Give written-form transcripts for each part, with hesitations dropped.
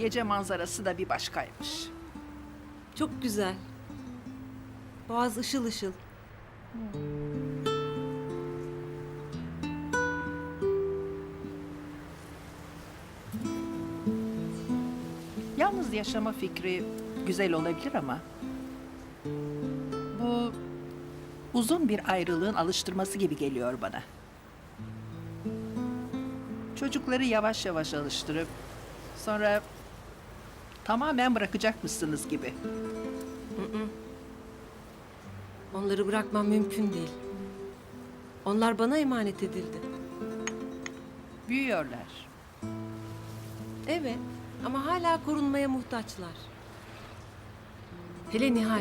Gece manzarası da bir başkaymış. Çok güzel. Boğaz ışıl ışıl. Yalnız yaşama fikri güzel olabilir ama... bu uzun bir ayrılığın alıştırması gibi geliyor bana. Çocukları yavaş yavaş alıştırıp sonra tamamen bırakacakmışsınız gibi. Onları bırakmam mümkün değil. Onlar bana emanet edildi. Büyüyorlar. Evet ama hala korunmaya muhtaçlar. Hele Nihal.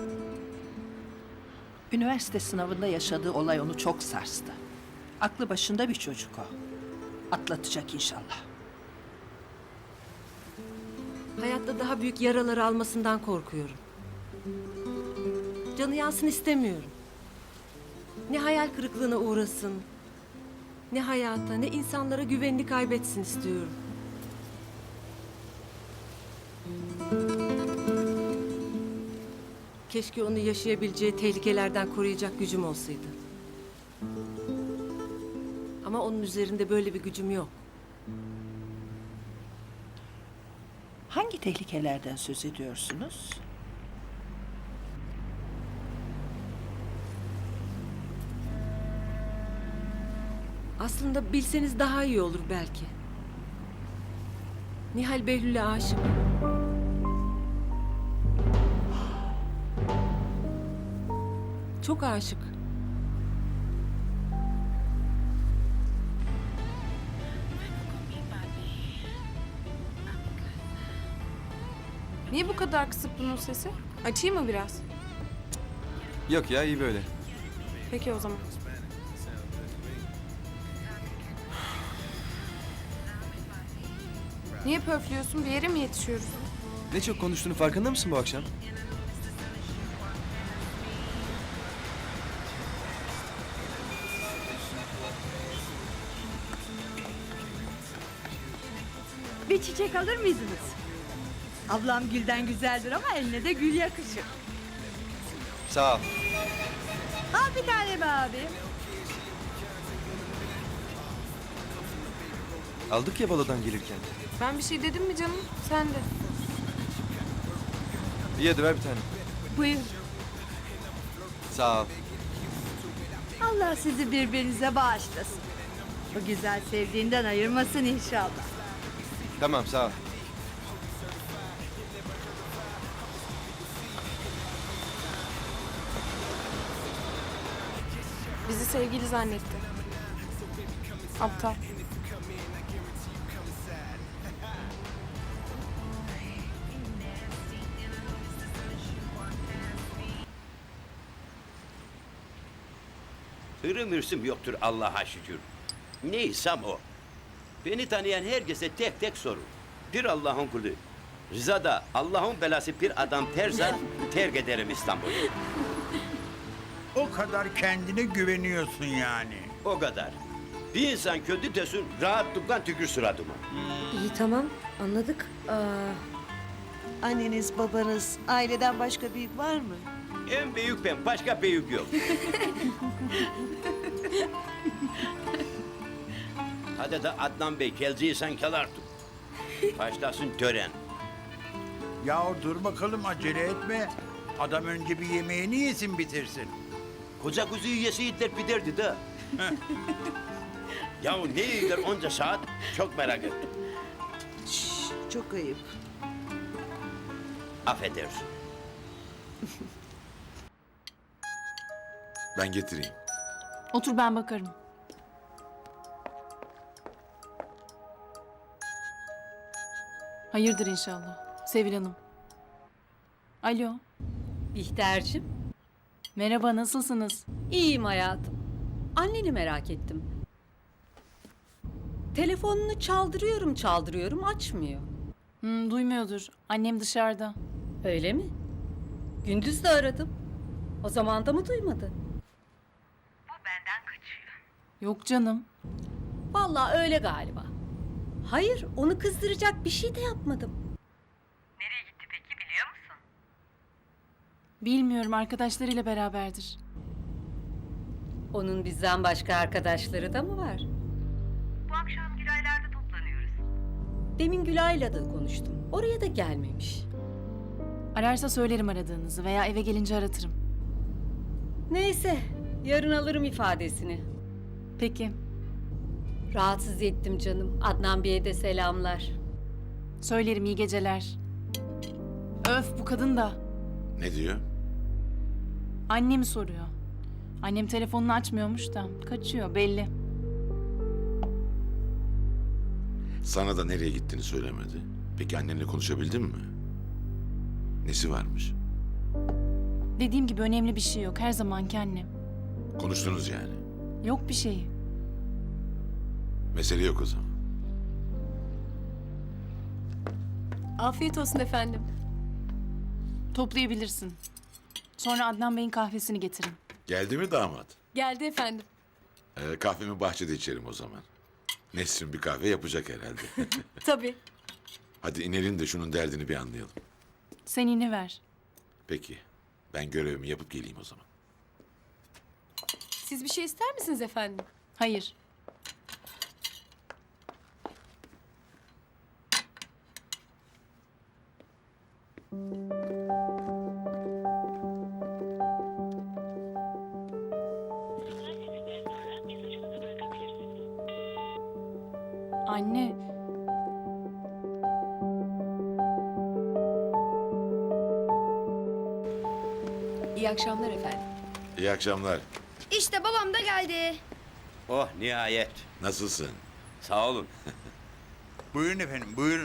Üniversite sınavında yaşadığı olay onu çok sarstı. Aklı başında bir çocuk o. Atlatacak inşallah. Hayatta daha büyük yaralar almasından korkuyorum. Canı yansın istemiyorum. Ne hayal kırıklığına uğrasın, ne hayata, ne insanlara güvenini kaybetsin istiyorum. Keşke onu yaşayabileceği tehlikelerden koruyacak gücüm olsaydı. Ama onun üzerinde böyle bir gücüm yok. Hangi tehlikelerden söz ediyorsunuz? Aslında bilseniz daha iyi olur belki. Nihal Behlül'e aşık. Çok aşık. Niye bu kadar kısık bunun sesi? Açayım mı biraz? Yok ya, iyi böyle. Peki o zaman. Niye pöflüyorsun? Bir yere mi yetişiyoruz? Ne çok konuştuğunu farkında mısın bu akşam? Bir çiçek alır mıydınız? Ablam gülden güzeldir ama eline de gül yakışır. Sağ ol. Al bir tane be abi. Aldık ya balodan gelirken. Ben bir şey dedim mi canım? Sen de. İyi hadi ver bir tane. Buyur. Sağ ol. Allah sizi birbirinize bağışlasın. Bu güzel sevdiğinden ayırmasın inşallah. Tamam sağ ol. Bizi sevgili zannetti. Aptal. Hırım hırsım yoktur Allah'a şükür. Neysem o. Beni tanıyan herkese tek tek sorun. Bir Allah'ın kulu. Rıza da Allah'ın belası bir adam terza terk ederim İstanbul'u. O kadar kendine güveniyorsun yani. O kadar. Bir insan kötü desin rahatlıkla tükür suratıma. İyi tamam anladık. Anneniz, babanız, aileden başka büyük var mı? En büyük ben, başka büyük yok. Hadi de Adnan Bey, gelciysen gel artık. Başlasın tören. Yahu dur bakalım, acele etme. Adam önce bir yemeğini yesin, bitirsin. Koca kuzuyu yeseydiler biderdi de. Yahu ne yiyorlar onca saat? Çok merak ettim. Çok ayıp. Affedersin. Ben getireyim. Otur ben bakarım. Hayırdır inşallah. Sevil Hanım. Alo. Bihter'cim. Merhaba nasılsınız? İyiyim hayatım. Anneni merak ettim. Telefonunu çaldırıyorum açmıyor. Duymuyordur. Annem dışarıda. Öyle mi? Gündüz de aradım. O zaman da mı duymadı? Yok canım. Vallahi öyle galiba. Hayır, onu kızdıracak bir şey de yapmadım. Bilmiyorum, arkadaşlarıyla beraberdir. Onun bizden başka arkadaşları da mı var? Bu akşam Gülaylar'da toplanıyoruz. Demin Gülay'la da konuştum. Oraya da gelmemiş. Ararsa söylerim aradığınızı veya eve gelince aratırım. Neyse, yarın alırım ifadesini. Peki, Rahatsız ettim canım. Adnan Bey'e de selamlar. söylerim, iyi geceler. Öf, bu kadın da. Ne diyor? Annemi soruyor. Annem telefonunu açmıyormuş da kaçıyor belli. Sana da nereye gittiğini söylemedi. Peki annenle konuşabildin mi? Nesi varmış? Dediğim gibi önemli bir şey yok, her zamanki annem. Konuştunuz yani. Yok bir şey. Mesele yok o zaman. Afiyet olsun efendim. Toplayabilirsin. Sonra Adnan Bey'in kahvesini getirin. Geldi mi damat? Geldi efendim. Kahvemi bahçede içerim o zaman. Nesrin bir kahve yapacak herhalde. Tabii. Hadi inelim de şunun derdini bir anlayalım. Sen iğne ver. Peki. Ben görevimi yapıp geleyim o zaman. Siz bir şey ister misiniz efendim? Hayır. Anne, İyi akşamlar efendim. İyi akşamlar. İşte babam da geldi. Oh nihayet. Nasılsın? Sağ olun. Buyurun efendim, buyurun.